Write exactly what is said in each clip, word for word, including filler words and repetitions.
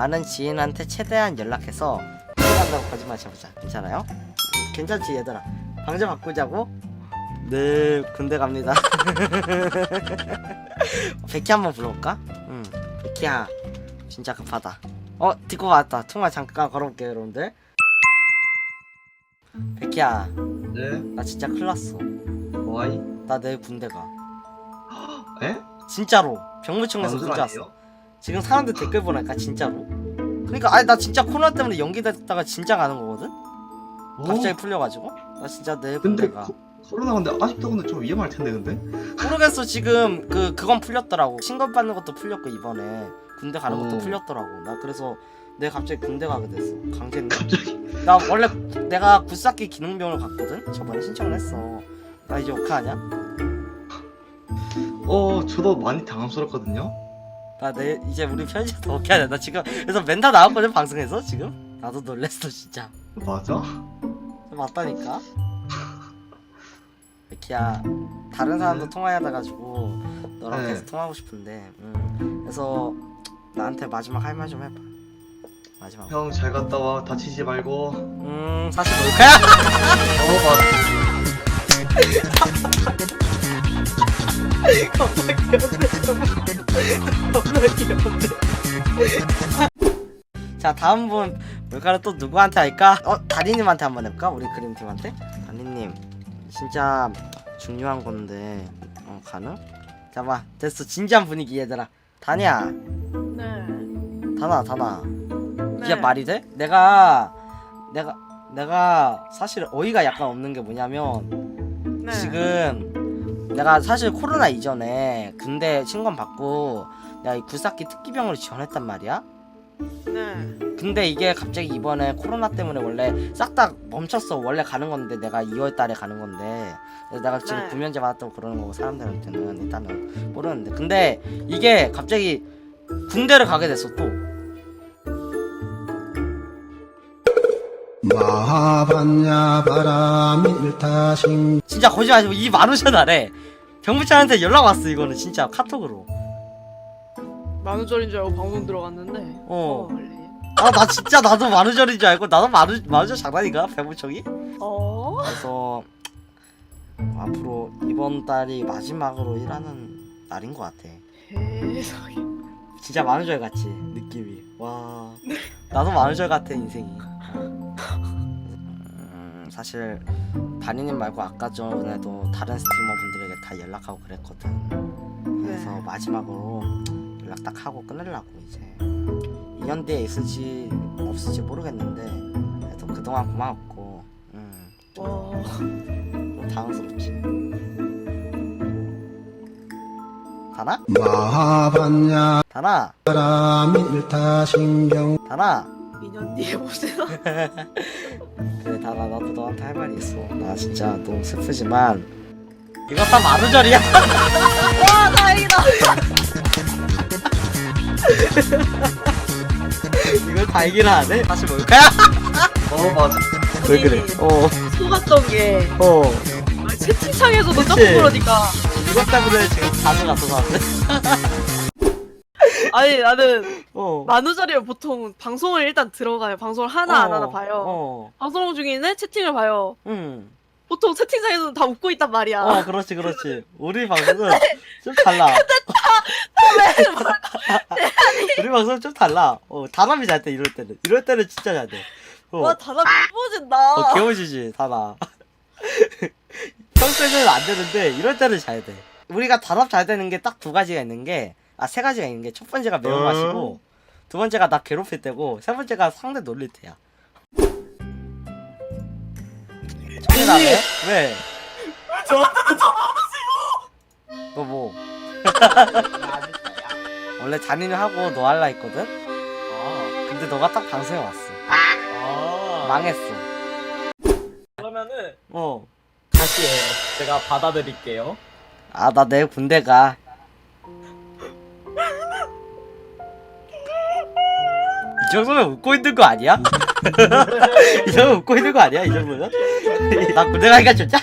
아는 지인한테 최대한 연락해서 군대 간다고 거짓말 쳐보자. 괜찮아요? 괜찮지 얘들아? 방제 바꾸자고? 네 군대 갑니다. 백희 한번 불러볼까? 응 백희야 진짜 급하다. 어 듣고 왔다. 통화 잠깐 걸어볼게요 여러분들. 백희야 네? 나 진짜 큰일났어. 와이? 나 내일 군대 가. 에? 진짜로 병무청에서 방송 문자 아니에요? 왔어. 지금 사람들 댓글 보니까 진짜로. 그러니까 아니 나 진짜 코로나 때문에 연기됐다가 진짜 가는 거거든? 갑자기 오, 풀려가지고 나 진짜 내일 근데 군대 가. 코, 코로나 근데 아직도 근데 좀 위험할 텐데 근데? 모르겠어. 지금 그 그건 풀렸더라고. 신검 받는 것도 풀렸고 이번에 군대 가는 것도 어. 풀렸더라고. 나 그래서 내가 갑자기 군대 가게 됐어. 강제네. 갑자기 나 원래 내가 굿삭기 기능병을 갔거든. 저번에 신청을 했어. 나 이제 어떡하냐? 어 저도 많이 당황스럽거든요? 나 내 이제 우리 편집도 어떻게 하냐. 나 지금 그래서 멘탈 나왔거든 방송에서 지금. 나도 놀랬어 진짜. 맞아? 맞다니까. 백희야 다른 사람도 통화하다 가지고 너랑 네. 계속 통화하고 싶은데. 음. 그래서 나한테 마지막 할 말 좀 해봐. 마지막. 형 잘 갔다 와 다치지 말고. 음 사실 뭘까요? 어 맞아. 자 다음 분 뭘까를 또 누구한테 할까? 어 다리님한테 한번 해볼까? 우리 그림팀한테. 다리님 진짜 중요한 건데 어 가능? 잠깐만 됐어. 진지한 분위기 얘들아. 다니야 네. 다나 다나 네. 이게 말이 돼? 내가 내가 내가 사실 어이가 약간 없는 게 뭐냐면 네. 지금 내가 사실 코로나 이전에 군대 신검 받고 내가 이 굴삭기 특기병으로 지원했단 말이야. 네. 근데 이게 갑자기 이번에 코로나 때문에 원래 싹 다 멈췄어. 원래 가는 건데 내가 이월 달에 가는 건데 그래서 내가 지금 네. 구면제 받았다고 그러는 거고 사람들한테는 일단은 모르는데 근데 이게 갑자기 군대를 가게 됐어 또. 마하반야 바람이 일타신 진짜 거짓말 하지 마. 이 마루셔나래. 병무청한테 연락 왔어. 이거는 진짜 카톡으로. 만우절인 줄 알고 방송 들어갔는데. 어. 원래. 아 나 진짜 나도 마루절인 줄 알고 나도 마루 마루절 장난인가 병무청이? 어? 그래서 앞으로 이번 달이 마지막으로 일하는 날인 것 같아. 세상에. 진짜 마루절 같지 느낌이. 와 나도 마루절 같아 인생이. 음, 사실 다니님 말고 아까 전에도 다른 스트리머분들에게 다 연락하고 그랬거든. 그래서 네. 마지막으로 연락 딱 하고 끊으려고 이제. 이 년 뒤에 있을지 없을지 모르겠는데 그래도 그동안 고마웠고. 음, 와. 좀 당황스럽지. 다나? 마하반야 다나? 바람이 일타신경 다나? 이 년 뒤에 보세요. 그래 다나 나도 너한테 할 말이 있어. 나 진짜 너무 슬프지만 이거 다 마루절이야. 와 다행이다. 이걸 다 얘기를 안 해? 사실 뭘까요? 어 맞아. 왜 그래? 어, 속았던 게 어. 아, 채팅창에서도 그치? 자꾸 그러니까. 이것 때문에 지금 가져갔어 사람들. 아니 나는 어. 만우절이면 보통 방송을 일단 들어가요. 방송을 하나 안 하나 봐요. 어. 방송 중에는 채팅을 봐요. 응. 보통 채팅창에서는 다 웃고 있단 말이야. 어, 그렇지, 그렇지. 우리 방송은 좀 달라. 우리 방송은 좀 달라. 어, 다람이 잘 때, 이럴 때는. 이럴 때는 진짜 잘 돼. 어, 와 다나 예뻐진다. 어 개워지지, 다나. 평소에는 안 되는데, 이럴 때는 잘 돼. 우리가 단합 잘 되는 게 딱 두 가지가 있는 게, 아, 세 가지가 있는 게, 첫 번째가 매운맛이고, 두 번째가 나 괴롭힐 때고, 세 번째가 상대 놀릴 때야. 정리 나네? 왜? 저한테 너 뭐? 원래 잔인을 하고 너 할라 했거든? 아, 근데 너가 딱 방송에 왔어. 아. 망했어. 그러면은 어. 다시 해요. 제가 받아드릴게요. 아, 나 내일 군대 가. 이 정도면 웃고 있는 거 아니야? 이 정도면 웃고 있는 거 아니야? 이 정도면? 나 군대 가기가 좋자?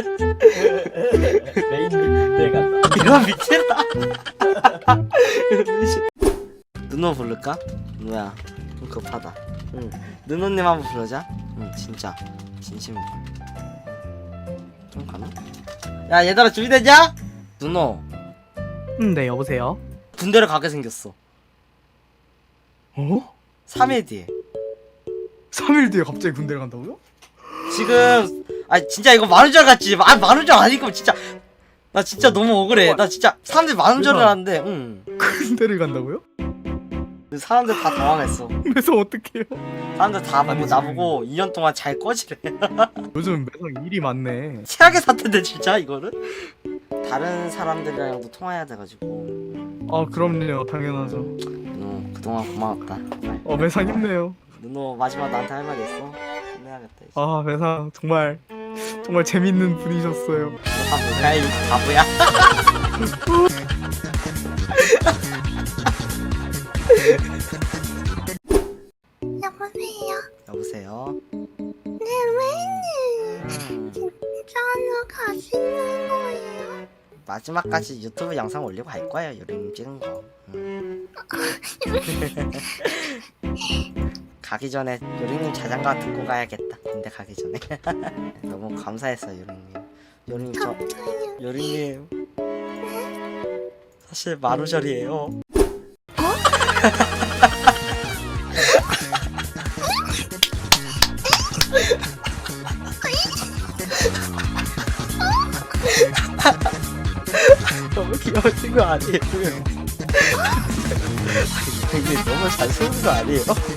메인 내가 이거 미친다. 누노 부를까? 누노 뭐야 좀 급하다. 응 누노님 한번 부르자. 응 진짜 진심으로 좀 가나? 야 얘들아 준비됐냐? 누노 음, 네, 여보세요? 군대를 가게 생겼어. 어? 삼 일 뒤에. 삼 일 뒤에 갑자기 군대를 간다고요? 지금 아 진짜 이거 만우절 같지? 아 만우절 아니고 진짜 나 진짜 너무 억울해. 나 진짜 사람들이 만우절을 하는데 응 군대를 간다고요? 사람들 다 당황했어. 그래서 어떡해요? 사람들 다 보고 아니, 나보고 이 년 동안 잘 꺼지래. 요즘 매상 일이 많네. 최악의 사태인데 진짜 이거는 다른 사람들이랑도 통화해야 돼가지고. 아, 그럼요. 당연하죠. 누노 그동안 고마웠다. 정말. 어, 매상 힘내요. 누노 마지막 나한테 할 말 있어? 끝내야겠다 이제. 아, 매상 정말 정말 재밌는 분이셨어요. 아 뭐야 이 바보야. 여보세요? 여보세요. 네, 왜? 음, 진짜로 가시는 거예요? 마지막까지 유튜브 영상 올리고 갈 거예요. 요리님 찍은 거. 음. 가기 전에 요리님 자장가 듣고 가야겠다. 군대 가기 전에. 너무 감사했어 요리님. 요리님 저 감사해요. 요리님 사실 만우절이에요. 너무 귀여우신 거 아니에요? 이게 너무 잘 쏘는 거 아니에요?